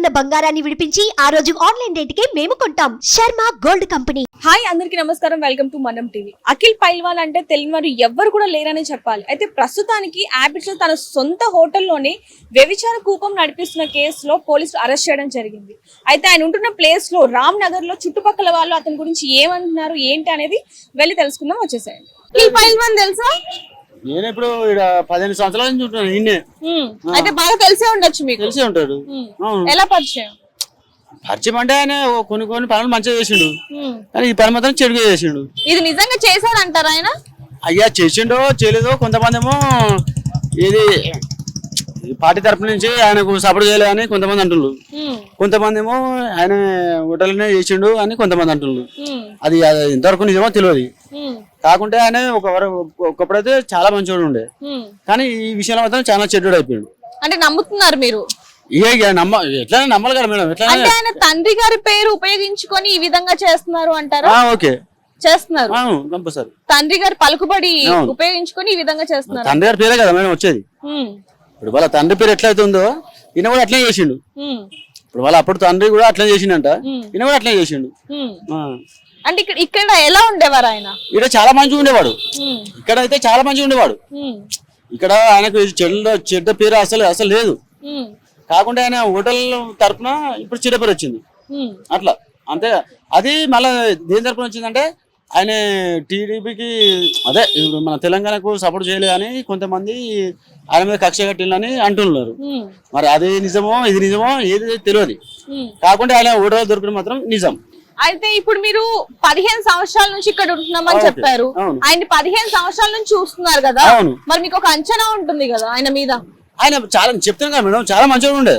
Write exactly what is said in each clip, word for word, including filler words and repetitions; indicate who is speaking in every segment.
Speaker 1: ఉన్న బంగారాన్ని విడిపించి ఆ రోజు ఆన్లైన్ రేటుకే మేము కొంటాం. Sharma gold company.
Speaker 2: హాయ్ అందరికీ నమస్కారం, వెల్కమ్ టు మనం టీవీ. అఖిల్ పైల్వాన్ అంటే తెలియని వారు ఎవ్వరు కూడా లేరని చెప్పాలి. అయితే ప్రస్తుతానికి యాబిట్స్ లో తన సొంత హోటల్లోనే వ్యభిచార కూపం నడిపిస్తున్న కేసులో పోలీసులు అరెస్ట్ చేయడం జరిగింది. అయితే ఆయన ఉంటున్న ప్లేస్ లో రామ్ నగర్ లో చుట్టుపక్కల వాళ్ళు అతని గురించి ఏమంటున్నారు ఏంటి అనేది వెళ్ళి తెలుసుకుందాం. వచ్చేసాయండి. అఖిల్ పైల్వాన్ తెలుసా?
Speaker 3: నేను ఇప్పుడు ఇక్కడ పదిహేను సంవత్సరాల నుంచి ఉంటున్నాను. నిన్నే
Speaker 2: అయితే బాగా తెలిసే ఉండొచ్చు మీకు.
Speaker 3: తెలిసే ఉంటాడు.
Speaker 2: ఎలా పరిచయం?
Speaker 3: పరిచయం అంటే ఆయన కొన్ని కొన్ని పనులు మంచిగా చేసిండు, కానీ ఈ పని మాత్రం చెడుగా చేసిండు.
Speaker 2: ఇది నిజంగా చేశారంటారా ఆయన?
Speaker 3: అయ్యా చేసిండో చేయలేదో, కొంతమంది ఏమో ఇది పార్టీ తరపు నుంచి ఆయనకు సపోర్ట్ చేయలేదు అని కొంతమంది అంటున్నారు, కొంతమంది ఏమో ఆయన హోటల్నే చేసిండు అని కొంతమంది అంటున్నారు. అది ఇంతవరకు నిజమో తెలియదు. కాకుంటే ఆయన ఒక ఒకప్పుడైతే చాలా మంచివాడు ఉండే, కానీ ఈ విషయంలో మాత్రం చాలా చెడ్డోడు అయిపోయాడు.
Speaker 2: అంటే నమ్ముతున్నారు మీరు?
Speaker 3: ఇక నమ్మ ఎట్లా నమ్మాలి కదా మేడం. ఎట్లా
Speaker 2: అంటే ఆయన తండ్రి గారి పేరు ఉపయోగించుకొని ఈ విధంగా చేస్తున్నారు అంటారా?
Speaker 3: ఓకే
Speaker 2: చేస్తున్నారు.
Speaker 3: కంపల్సరీ
Speaker 2: తండ్రి గారి పలుకుబడి ఉపయోగించుకొని ఈ విధంగా చేస్తున్నారు.
Speaker 3: తండ్రి గారి పేరే కదా మేడం వచ్చేది. ఇప్పుడు వాళ్ళ తండ్రి పేరు ఎట్లయితే ఉందో ఈయన కూడా అట్లే చేసిండు. ఇప్పుడు వాళ్ళ అప్పుడు తండ్రి కూడా అట్లే చేసిండంట, ఈయన కూడా అట్లే చేసిండు.
Speaker 2: అంటే ఇక్కడ ఇక్కడ ఎలా ఉండేవారు ఆయన?
Speaker 3: ఇక్కడ చాలా మంచిగా ఉండేవాడు. ఇక్కడ అయితే చాలా మంచిగా ఉండేవాడు. ఇక్కడ ఆయనకు చెడ్డ చెడ్డ పేరు అసలు అసలు లేదు. కాకుండా ఆయన హోటల్ తరఫున ఇప్పుడు చెడ్డ పేరు వచ్చింది అట్లా అంతే. అది మళ్ళీ దేని తరఫున వచ్చిందంటే ఆయన టీడీపీకి అదే మన తెలంగాణకు సపోర్ట్ చేయలేదు అని కొంతమంది ఆయన మీద కక్ష కట్టిందని అంటున్నారు. మరి అది నిజమో ఇది నిజమో ఏది తెలియదు. కాకుండా ఆయన హోటల్ దొరకడం మాత్రం నిజం.
Speaker 2: అయితే ఇప్పుడు మీరు పదిహేను సంవత్సరాల నుంచి ఇక్కడ ఉంటున్నామని చెప్పారు. ఆయన పదిహేను సంవత్సరాల నుంచి చూస్తున్నారు కదా, మరి మీకు ఒక అంచనా ఉంటుంది కదా ఆయన మీద?
Speaker 3: ఆయన చాలా చెప్తాను కదా మేడం, చాలా మంచిగా ఉండే.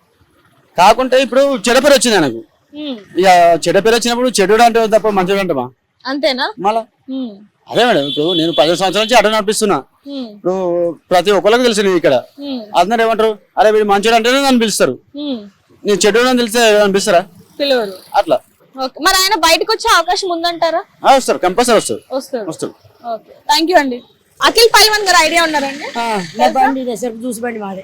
Speaker 3: కాకుంటే ఇప్పుడు చెడ్డ పేరు వచ్చింది ఆయనకు. ఇక చెడ్డ పేరు వచ్చినప్పుడు చెడు అంటే తప్ప మంచిగా అంటమా?
Speaker 2: అంతేనా?
Speaker 3: మళ్ళా అదే మేడం, ఇప్పుడు నేను పదిహేను సంవత్సరాల నుంచి అడ్డ నడిపిస్తున్నా. ఇప్పుడు ప్రతి ఒక్కరికి తెలుసు ఇక్కడ. అందరు ఏమంటారు, అరే వీడు మంచిగా అంటేనే నన్ను పిలుస్తారు, నేను చెడు అని తెలిస్తే అనిపిస్తారా?
Speaker 2: పిలవరు.
Speaker 3: అట్లా.
Speaker 2: మరి ఆయన బయటకు వచ్చే అవకాశం ఉందంటారా?
Speaker 3: వస్తారు, కంపల్సరీ వస్తారు.
Speaker 2: వస్తారు వస్తారు థ్యాంక్ యూ అండి. అఖిల్ పైల్వాన్ గారు ఐడియా ఉన్నారండి?
Speaker 4: చూసి బండి మాదే.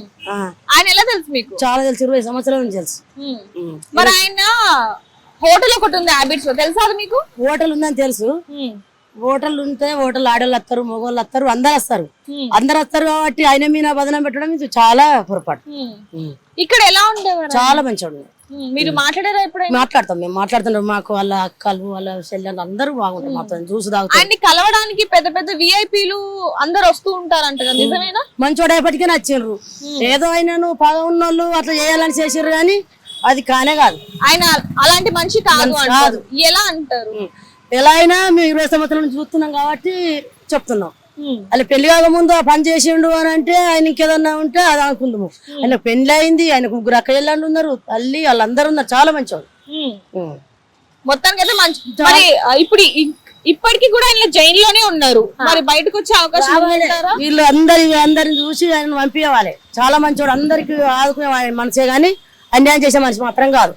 Speaker 2: ఆయన ఎలా తెలుసు మీకు?
Speaker 4: చాలా తెలుసు, ఇరవై సంవత్సరాల నుంచి తెలుసు.
Speaker 2: మరి ఆయన హోటల్ ఒకటి ఉంది హ్యాబిట్స్ లో, తెలుసా అది మీకు?
Speaker 4: హోటల్ ఉందని తెలుసు. హోటల్ ఉంటే హోటల్ ఆడోళ్ళు వస్తారు, మగవాళ్ళు వస్తారు, అందరు వస్తారు. అందరు వస్తారు కాబట్టి ఆయన మీద బదనం పెట్టడం ఇది చాలా పొరపాటు.
Speaker 2: ఇక్కడ ఎలా ఉండేవారు?
Speaker 4: చాలా మంచిగా ఉండేది.
Speaker 2: మీరు మాట్లాడారా ఎప్పుడైనా?
Speaker 4: మాట్లాడతాం, మేము మాట్లాడుతున్నాం. మాకు వాళ్ళ అక్కలు వాళ్ళ చెల్లెలు అందరూ బాగుంటారు, మాతో జ్యూస్ తాగుతారు.
Speaker 2: ఆయన్ని కలవడానికి పెద్ద పెద్ద విఐపీలు అందరు వస్తూ ఉంటారంట కదా, నిజమేనా?
Speaker 4: మంచోడు ఎప్పటికీ నచ్చిండ్రు. ఏదో అయినా పగ ఉన్నోళ్ళు అట్లా చేయాలని చేసారు, కానీ అది కానే కాదు.
Speaker 2: ఆయన అలాంటి మనిషి కాదు అంటారు. ఎలా అంటారు?
Speaker 4: ఎలా అయినా మేము ఇరవై సంవత్సరాల నుంచి చూస్తున్నాం కాబట్టి చెప్తున్నాం. అలా పెళ్లి కాక ముందు ఆ పని చేసిండు అని అంటే ఆయన ఇంకేదన్నా ఉంటే అది అనుకుందాము. ఆయన పెళ్లి అయింది, ఆయనకు ముగ్గురు అక్క చెల్లెళ్ళు ఉన్నారు, తల్లి వాళ్ళందరూ ఉన్నారు, చాలా మంచివాడు
Speaker 2: మొత్తానికి అయితే మంచి. మరి ఇప్పుడు ఇప్పటికి కూడా ఆయన జైల్లోనే ఉన్నారు, మరి బయటకు వచ్చే అవకాశం ఉందంటారా?
Speaker 4: వీళ్ళు అందరి అందరిని చూసి ఆయన పంపించాలి. చాలా మంచివాడు, అందరికి ఆదుకునే మనసే గాని అన్యాయం చేసే మనిషి మాత్రం కాదు.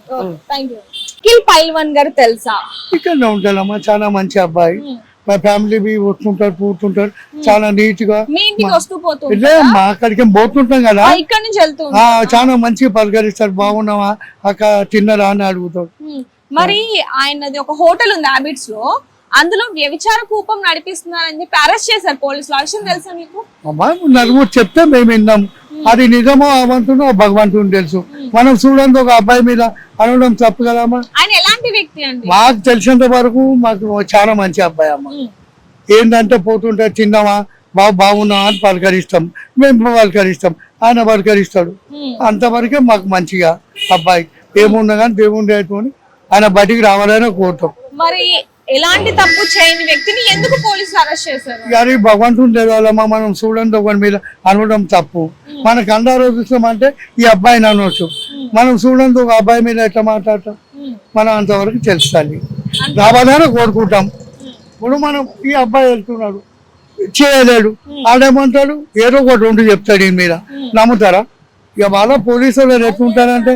Speaker 2: అఖిల్ పైల్వాన్ గారు తెలుసా?
Speaker 5: ఇక్కడ ఉంటాడమ్మా, చాలా మంచి అబ్బాయి. మా ఫ్యామిలీ బి వస్తుంటారు, పోతుంటారు, చాలా నీట్ గా.
Speaker 2: మీ ఇంటికి వస్తూ పోతూ
Speaker 5: మా అక్కడికి పోతుంటాం కదా,
Speaker 2: ఇక్కడ నుంచి వెళ్తూ
Speaker 5: చాలా మంచిగా పలకరిస్తారు. బాగున్నావా అక్క, తిన్నరా అని అడుగుతాడు.
Speaker 2: మరి ఆయనది ఒక హోటల్ ఉంది హ్యాబిట్స్ లో, అందులో వ్యభిచార కూపం నడిపిస్తున్నారని చెప్పి అరెస్ట్ చేశారు పోలీసులు. ఆ విషయం తెలుసా మీకు?
Speaker 5: అమ్మా నలుగురు చెప్తే మేము విన్నాం. అది నిజమో అవంతునో భగవంతుని తెలుసు. మనం చూడండి ఒక అబ్బాయి మీద అనడం తప్పు కదమ్మా.
Speaker 2: ఆయన ఎలాంటి వ్యక్తి అండి?
Speaker 5: మాకు తెలిసినంత వరకు మాకు చాలా మంచి అబ్బాయి అమ్మ. ఏంటంటే పోతుంటే తిన్నావా, బాబు బాగున్నావా అని పలకరిస్తాం, మేము పలకరిస్తాం, ఆయన పలకరిస్తాడు. అంతవరకే మాకు మంచిగా అబ్బాయి. ఏమున్నా కానీ దేవుని అని ఆయన బయటికి రావాలని కోరుతాం.
Speaker 2: మరి ఎలాంటి తప్పు చేయని వ్యక్తిని ఎందుకు పోలీసులు అరెస్ట్ చేశారు?
Speaker 5: గారి భగవంతుని తెలియాలమ్మా. మనం చూడండి ఒకరి మీద అనడం తప్పు. మనకు అందరూ చూస్తామంటే ఈ అబ్బాయిని అనవచ్చు. మనం చూడండి ఒక అబ్బాయి మీద ఎట్లా మాట్లాడతాం, మనం అంతవరకు తెలుస్తుంది. రావాలని కోరుకుంటాం. ఇప్పుడు మనం ఈ అబ్బాయి వెళ్తున్నాడు, చేయలేడు, ఆడేమంటాడు ఏదో ఒకటి రెండు చెప్తాడు, ఈ మీద నమ్ముతారా? ఇక వాళ్ళ పోలీసులు ఎట్లుంటారంటే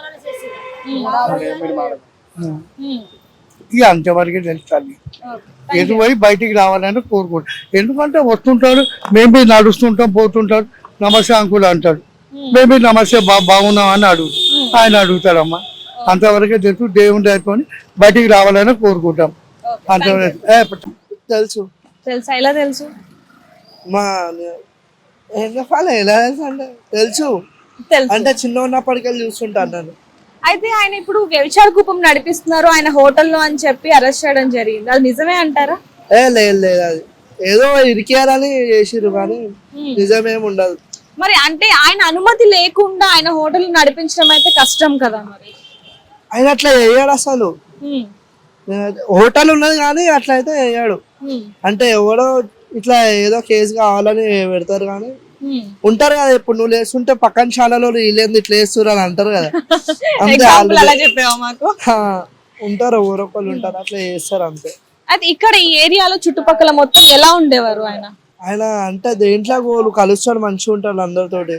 Speaker 5: ఇక అంతవరకే తెలుస్తుంది. ఎటు పోయి బయటికి రావాలని కోరుకుంటాడు. ఎందుకంటే వస్తుంటాడు, మేము నడుస్తుంటాం, పోతుంటాడు, నమస్తే అంకుల్ అంటాడు. మేము నమస్తే బా బాగున్నాం అని అడుగు ఆయన అడుగుతాడమ్మా. అంతవరకే తెలుసు. దేవుని దయతోని బయటికి రావాలని కోరుకుంటాం. అంతవరకు ఏ,
Speaker 6: తెలుసు.
Speaker 2: తెలుసా? ఎలా తెలుసు?
Speaker 6: మా ఏం చెప్పాలి, ఎలా తెలుసు అంటే తెలుసు
Speaker 2: తెలుసు.
Speaker 6: అంటే చిన్న ఉన్నప్పటికెళ్ళి చూస్తుంటాను నేను.
Speaker 2: అయితే ఆయన ఇప్పుడు వ్యభిచార కూపం నడిపిస్తున్నారు ఆయన హోటల్లో అని చెప్పి అరెస్ట్ చేయడం జరిగింది. అది నిజమే అంటారా?
Speaker 6: ఏ లేదు లేదు, అది ఏదో ఇరికేయాలని చేసిర్రు కానీ నిజమేం ఉండదు.
Speaker 2: మరి అంటే ఆయన అనుమతి లేకుండా ఆయన హోటల్ నడిపించడం అయితే కష్టం కదా మరి.
Speaker 6: ఆయన అట్లా వేయాడు అసలు. హోటల్ ఉన్నది కానీ అట్లా అయితే వేయాడు. అంటే ఎవడో ఇట్లా ఏదో కేసు కావాలని పెడతారు కానీ ఉంటారు కదా. ఇప్పుడు నువ్వు లేస్తుంటే పక్కన శాలలో వీళ్ళేంది ఇట్లా వేస్తున్నారు అని అంటారు కదా. అంతే
Speaker 2: అలా చెప్పావా మాకు?
Speaker 6: ఉంటారు, ఊరొక్కళ్ళు ఉంటారు, అట్లా చేస్తారు అంతే.
Speaker 2: అయితే ఇక్కడ ఈ ఏరియాలో చుట్టుపక్కల మొత్తం ఎలా ఉండేవారు ఆయన?
Speaker 6: ఆయన అంటే దేంట్లో గోలు కలుస్తాడు, మంచిగా ఉంటాడు అందరితోటి.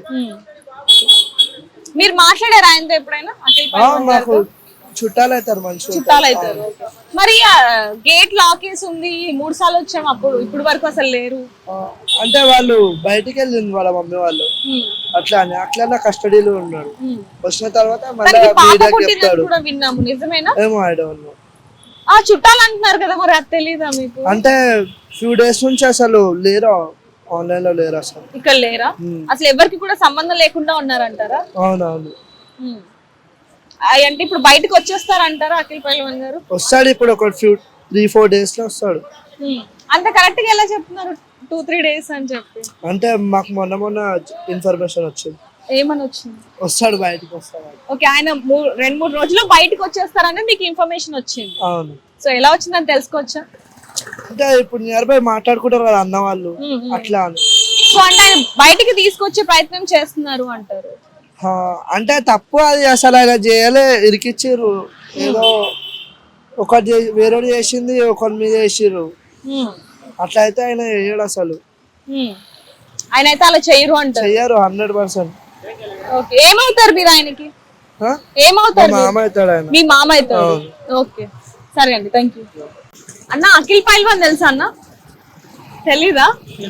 Speaker 2: మీరు మాట్లాడారు ఆయనతో ఎప్పుడైనా? అఖిల్
Speaker 6: ఆ,
Speaker 2: పైల్వాన్
Speaker 6: మాకు
Speaker 2: గారితో?
Speaker 6: చుట్టాలు అవుతారు, మంచిగా
Speaker 2: చుట్టాలు అవుతారు. మరి గేట్ లాక్ వేసి ఉంది, మూడు సార్లు వచ్చాం అప్పుడు, ఇప్పుడు వరకు అసలు లేరు.
Speaker 6: ఆ, అంటే వాళ్ళు బయటికి వెళ్ళింది వాళ్ళ మమ్మీ వాళ్ళు, అట్లా అని అట్లా కస్టడీలో ఉన్నాడు. వచ్చిన తర్వాత మళ్ళీ
Speaker 2: తనకి పాప
Speaker 6: మీడియాకి
Speaker 2: పుట్టిందని
Speaker 6: చెప్తాడు.
Speaker 2: కూడా విన్నాము, నిజమేనా?
Speaker 6: ఏమో ఐ డోంట్ నో.
Speaker 2: ఆ చుట్టాలు అంటున్నారు కదా, మరి అది తెలీదా మీకు?
Speaker 6: అంటే ఫ్యూ డేస్ నుంచి అసలు లేరు, ఆన్లైన్ లో లేరు అసలు.
Speaker 2: ఇక్కడ లేరా? అసలు ఎవరికి కూడా సంబంధం లేకుండా ఉన్నారంటారా?
Speaker 6: అవునవును.
Speaker 2: ఉమ్. ఆ, అంటే ఇప్పుడు బయటకు వచ్చేస్తారంటారా అఖిల్ పైల్వాన్ గారు?
Speaker 6: వస్తాడు ఇప్పుడు ఒక ఫ్యూ త్రీ ఫోర్ డేస్ లో వస్తాడు.
Speaker 2: ఉమ్. అంత కరెక్ట్ గా ఎలా చెప్తున్నారు టూ త్రీ డేస్ అని చెప్పి?
Speaker 6: అంటే మాకు మొన్న మొన్న ఇన్ఫర్మేషన్ వచ్చింది,
Speaker 2: ఏమని వచ్చింది?
Speaker 6: వస్తాడు బయటకు వస్తాడు.
Speaker 2: ఓకే, ఆయన మూ- రెండు మూడు రోజుల్లో బయటకు వచ్చేస్తారని మీకు ఇన్ఫర్మేషన్ వచ్చింది.
Speaker 6: అవును.
Speaker 2: సో ఎలా వచ్చిందని తెలుసుకోవచ్చా?
Speaker 6: అంటే ఇప్పుడు నియర్ బై మాట్లాడుకుంటారు కదా అన్న వాళ్ళు, అట్లా అని.
Speaker 2: సో అంటే ఆయన బయటికి తీసుకొచ్చే ప్రయత్నం చేస్తున్నారు అంటారు.
Speaker 6: ఆ, అంటే తప్పు అది అసలు ఆయన చేయలే, ఇరికిచ్చిర్రు. ఏదో ఒకటి వేరే చేసింది, ఒకరి మీద వేసిర్రు.
Speaker 2: ఉమ్.
Speaker 6: అట్లా అయితే ఆయన చేయడు అసలు,
Speaker 2: ఉమ్. ఆయన అయితే అలా చేయరు అంటారు.
Speaker 6: చెయ్యరు హండ్రెడ్ పర్సెంట్.
Speaker 2: ఓకే, ఏమవుతారు మీరు ఆయనకి? ఏమవుతారు మీరు?
Speaker 6: మామ అవుతాడు ఆయన.
Speaker 2: మీ మామ అవుతారు. ఓకే, సరే అండి, థ్యాంక్ యూ. అన్న అఖిల్ పైల్వాన్ తెలుసా అన్న? తెలీదా?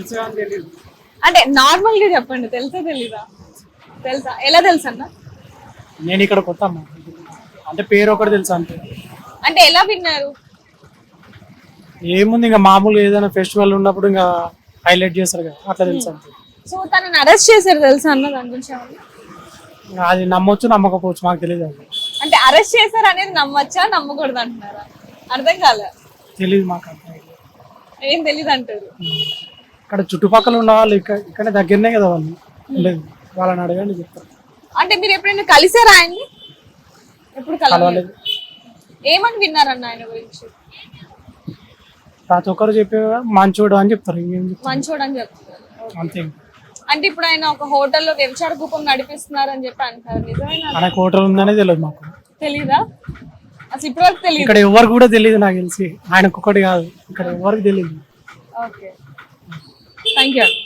Speaker 2: అంటే నార్మల్ గా చెప్పండి, తెలుసా తెలీదా? తెలుసా? ఎలా తెలుసు అన్న?
Speaker 7: నేను ఇక్కడ కొత్త అమ్మ, అంటే పేరు ఒకటి తెలుసు అంతే.
Speaker 2: అంటే ఎలా విన్నారు?
Speaker 7: ఏముంది ఇంకా మామూలుగా ఏదైనా ఫెస్టివల్ ఉన్నప్పుడు ఇంకా హైలైట్ చేస్తారు కదా, అట్లా తెలుసు అంతే.
Speaker 2: సో తనని అరెస్ట్ చేశారు తెలుసా అన్న? దాని గురించి ఏమన్నా?
Speaker 7: ఇంకా అది నమ్మొచ్చు నమ్మకపోవచ్చు, మాకు తెలియదు. అది
Speaker 2: అంటే అరెస్ట్ చేశారు అనేది నమ్మచ్చా నమ్మకూడదు అంటున్నారా? అర్థం కాలే.
Speaker 7: తెలియదు మాకు అంత.
Speaker 2: ఏం తెలీదు అంటారు.
Speaker 7: ఇక్కడ చుట్టుపక్కల ఉన్న వాళ్ళు ఇక్కడ ఇక్కడ దగ్గరనే కదా వాళ్ళు ఉండేది, వాళ్ళని అడగండి చెప్తారు.
Speaker 2: అంటే మీరు ఎప్పుడైనా కలిసారా ఆయన్ని? ఎప్పుడు కలవలేదు.
Speaker 7: కలవలేదు.
Speaker 2: ఏమని విన్నారన్న ఆయన గురించి?
Speaker 7: ప్రతి ఒక్కరు చెప్పే మంచోడు అని చెప్తారు, ఇంకేం చెప్తారు,
Speaker 2: మంచోడు అని చెప్తున్నారు.
Speaker 7: అంతే.
Speaker 2: అంటే ఇప్పుడు ఆయన ఒక హోటల్లో వ్యభిచార కూపం నడిపిస్తున్నారు అని చెప్పి అంటారు, నిజమేనా?
Speaker 7: ఆయనకు హోటల్ ఉందనే తెలియదు మాకు.
Speaker 2: తెలీదా? అసలు ఇప్పటివరకు తెలియదు.
Speaker 7: ఇక్కడ ఎవరు కూడా తెలియదు నాకు తెలిసి, ఆయనకు ఒకటి కాదు, ఇక్కడ ఎవరికి తెలియదు.
Speaker 2: Okay, thank you.